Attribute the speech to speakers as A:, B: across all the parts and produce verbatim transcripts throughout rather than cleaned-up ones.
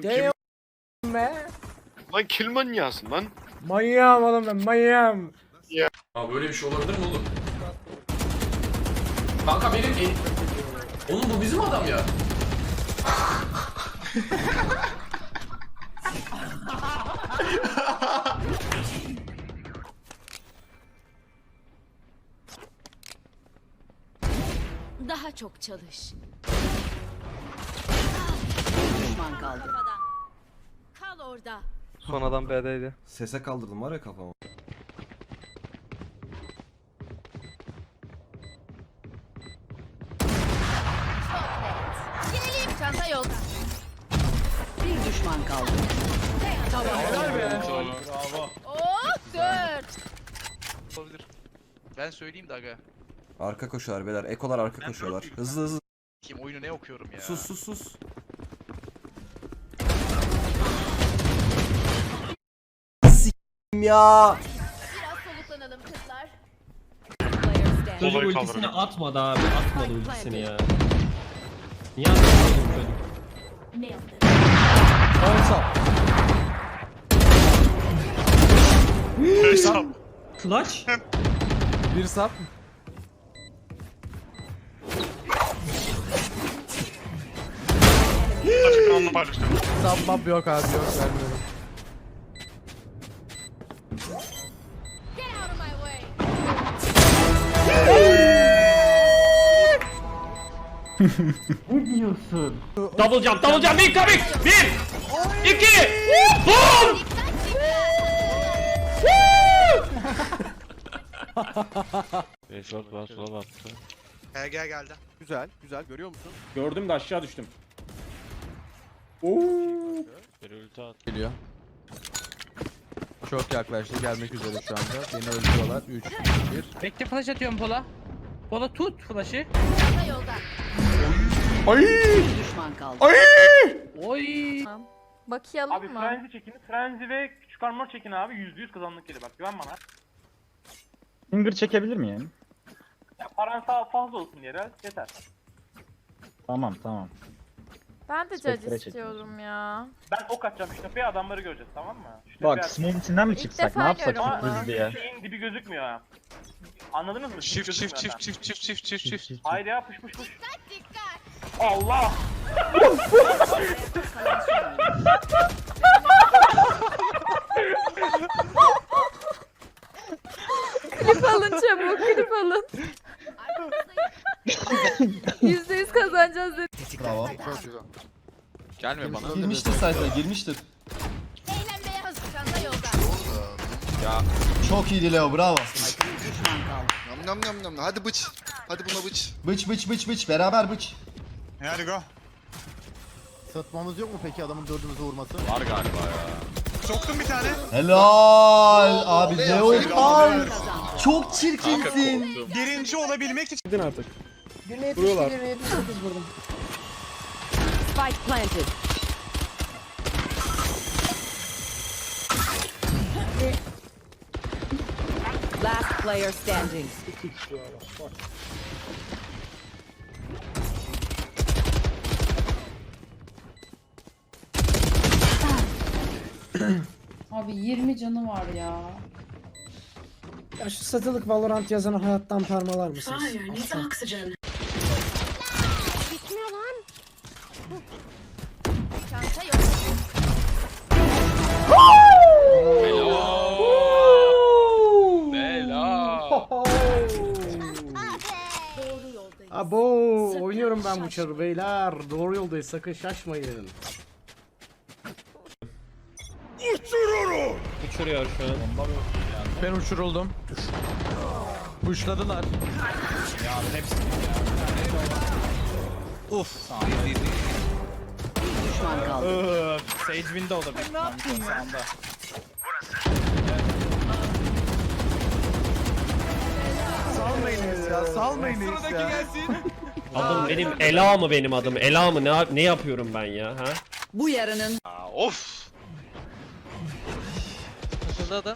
A: Oğlum kim?
B: Damn be.
A: Lan kill manyasın lan.
B: Manyağım oğlum ben manyağım.
C: Ya böyle bir şey olabilir mi oğlum? Kanka benim en... Oğlum bu bizim adam ya.
D: Daha çok çalış.
E: Düşman kaldı.
D: Kafadan. Kal orada.
F: Son adam B'deydi.
G: Sese kaldırdım var ya kafamı.
D: Gelelim. Çanta yolda.
E: Bir düşman kaldı.
D: Oh dört.
H: Olabilir. Ben söyleyeyim de aga.
G: Arka koşuyorlar beyler. Ekolar arka koşuyorlar. Hızlı hızlı.
H: Kim oyunu ne okuyorum ya?
G: Sus sus sus. S**im ya.
D: Biraz soluklanalım kızlar.
I: Çocuk
A: Olayı
I: ultisini
A: kaldırın.
I: atmadı abi. Atmadı ultisini ya. Niye atmadın çocuk?
A: Hesap.
I: Clutch.
F: Bir sap.
A: Açıklamanı paylaştım.
F: Sap map yok abi yok vermiyorum.
D: Get out of my way.
I: Double jump, double jump, incoming! Bir! İki! Boom!
A: Esat bas sol attı.
H: Gel gel geldi.
F: Güzel güzel görüyor musun?
I: Gördüm de aşağı düştüm.
A: Bir ulti at.
F: Geliyor. Çok yaklaştı gelmek üzere şu anda. Beni öldürüyorlar. üç, iki, bir.
J: Bekle flash atıyorum Pola. Pola tut flash'ı.
D: Çanta yolda.
E: Bir düşman kaldı.
J: Oy.
D: Bakayalım
K: Abi
D: mı?
K: frenzi çekin. Frenzi ve küçük armor çekin abi. Yüzde yüz kazanlık gelir bak güven bana.
I: Finger çekebilir miyim?
K: Ya paran sağ fazla olsun yere yeter.
I: Tamam tamam.
D: Ben de
I: Spektre
D: judge
I: çekin.
D: istiyorum ya.
K: Ben ok atacağım şu tepeye adamları göreceğiz tamam mı? Şu
I: Bak
K: tepeye
I: smoke içinden mi
D: İlk
I: çıksak?
D: defa
I: Ne yapsak
D: görüyorum
I: sürpriz
D: bunu.
I: diye?
K: şeyin dibi gözükmüyor ha. Anladınız mı?
H: Çift
K: Dibi
H: çift
K: gözükmüyor
H: çift çift çift çift çift çift.
K: ha. Haydi ya pış pış pış.
D: Dikkat.
K: Allah!
D: Klip alın çabuk klip alın. Yüzde yüz kazanacağız dedi.
G: Bravo.
H: Gelme bana.
G: Girmiştir sayfaya girmiştir.
D: Eğlenmeye hazır. Çanta yolda.
G: Çok iyiydi Leo bravo.
E: Düşman kaldı.
H: Nam nam nam nam. Hadi bıç. Hadi buna bıç.
G: Bıç bıç bıç bıç beraber bıç.
H: Hadi go.
F: Satmamız yok mu peki adamın dördümüzü vurması?
H: Var galiba ya. Soktum bir tane.
G: Helal abi Leopar.
E: Kazandı.
G: Çok çirkinsin.
H: Birinci olabilmek için.
I: Gidin artık.
E: Spike planted. Last player standing.
J: Abi yirmi canı var ya.
B: Ya şu satılık Valorant yazanı hayattan parmalar mısınız?
D: Bitmiyor lan. Çanta yolda. Doğru yoldayız.
B: Abo oynuyorum ben bu çarı beyler. Doğru yoldayız sakın şaşmayın.
I: Uçuruyor şu an.
F: Ben uçuruldum. Puşladılar.
E: Bir düşman kaldı.
I: Sage Window'da bir. Ne yaptın ya?
F: Salmayınız ya salmayınız ya.
I: Adım benim Ela mı benim adım? Ela mı? Ne, ne yapıyorum ben ya? Ha?
E: Bu yarının
H: Aa, of.
J: Açıldı adam.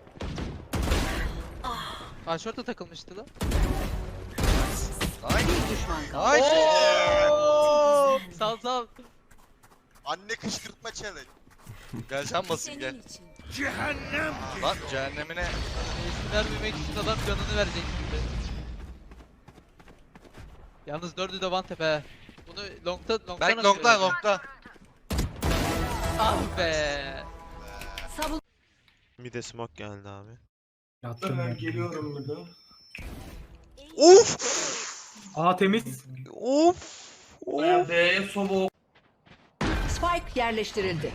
J: Aa şorta takılmıştı lan.
E: bir düşman kaldı.
H: Ay.
J: Sal sal.
A: Anne kışkırtma challenge.
H: Gel sen basayım gel.
D: Senin için.
H: Lan cehennemine.
J: İsim vermemek için adam canını verecek gibi. Yalnız dördü de one tap he. Bunu longta longta
H: Berk
J: nasıl
H: longta
J: verecek?
H: longta.
J: Ah be.
E: Savun.
A: Mide smoke geldi abi.
B: Yattım ben.
K: Geliyorum burada.
A: Of!
K: Aa temiz.
A: Of!
K: Baya B'ye soba.
E: Spike yerleştirildi.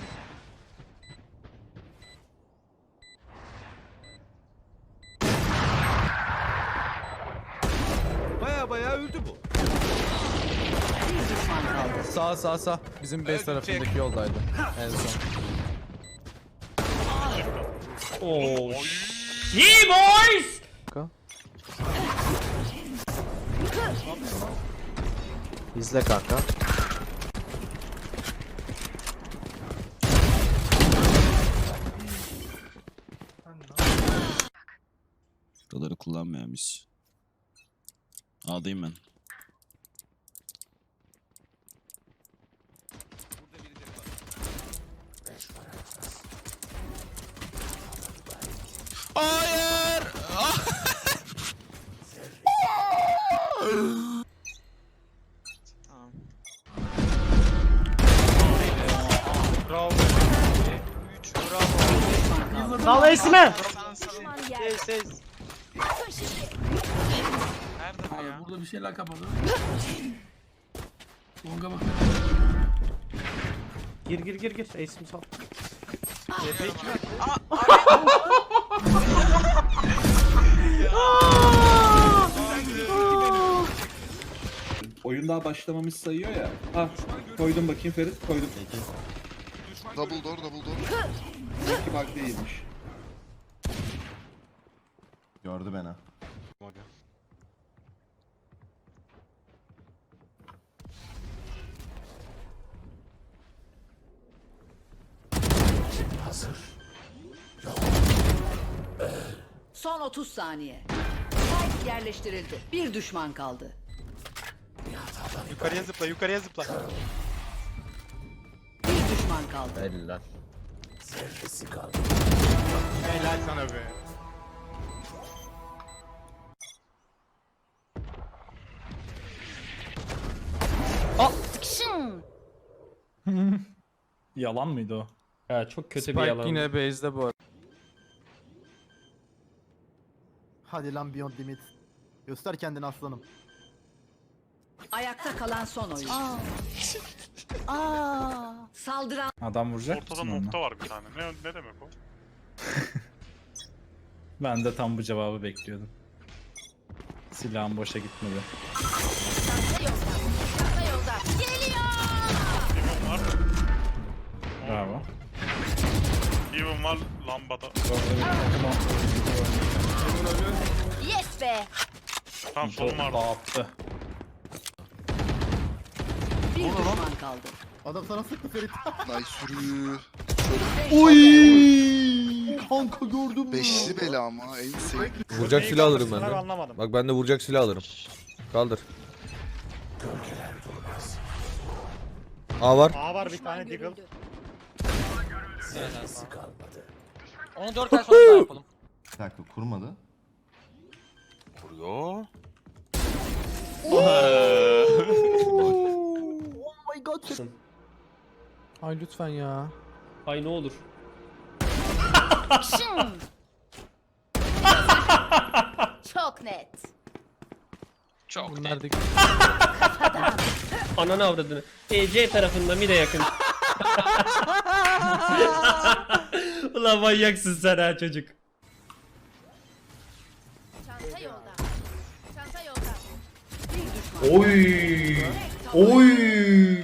F: Baya baya öldü bu.
E: Bir düşman kaldı.
F: Sağ sağ sağ. Bizim base tarafındaki yoldaydı. En son.
I: Oo. Yeah boys.
F: İzle kanka.
L: Buraları kullanmayan biz. A'dayım ben. Hayır!
B: Sal esme.
D: Düşman yerde.
K: Burada bir şeyler kapalı. Longa bak.
B: Gir gir gir gir. Ace'imi sal.
L: Oyun daha başlamamış sayıyor ya. Ah, koydum bakayım Ferit, koydum.
A: Double door, double door.
L: Belki bug değilmiş. Gördü beni.
E: Son otuz saniye. Spike yerleştirildi. Bir düşman kaldı.
A: Yukarıya zıpla, yukarıya zıpla.
E: Bir düşman kaldı.
F: Helal.
A: Helal sana be.
I: Yalan mıydı o? Ya çok kötü bir
F: Spike
I: yalan.
F: yine base'de bu arada.
L: Hadi lan Beyond Limit. Göster kendini aslanım.
E: Ayakta kalan son oyun. Saldıran
I: Adam vuracak
A: Ortada
I: mısın
A: nokta
I: onunla?
A: var bir tane. Ne, ne demek o?
I: Ben de tam bu cevabı bekliyordum. Silahım boşa gitmedi.
D: Çanta yolda. Çanta yolda. Geliyor.
A: Even var.
I: Bravo.
A: Even var lambada.
D: Yes be.
A: Tam solum var.
I: Dağıttı.
E: bir düşman kaldı.
L: Adam sana sıktı Ferit.
A: Ay sürü.
L: Kanka gördün mü?
A: Beşli bela ama en sevdiğim.
F: Vuracak silah alırım ben de.
K: Anlamadım.
F: Bak ben de vuracak silah alırım. Kaldır. A var.
K: A var bir
D: Düşman
K: tane Deagle.
D: görüldü.
J: Onu dört ay sonra daha yapalım.
L: Bir dakika kurmadı.
A: Vuruyor.
F: Ay lütfen ya.
I: Ay ne olur.
D: Çok net.
H: Çok
F: Bunlar da
I: Ananı avradını. E C tarafında mide yakın. Ulan manyaksın sen ha çocuk.
D: Çanta yolda. Çanta yolda.
E: Bir düşman.
L: Oy! Oy!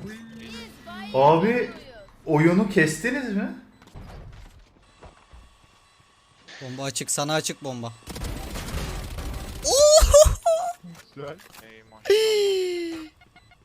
L: Abi oyunu kestiniz mi?
B: Bomba açık. Sana açık bomba.
A: Ey maşallah.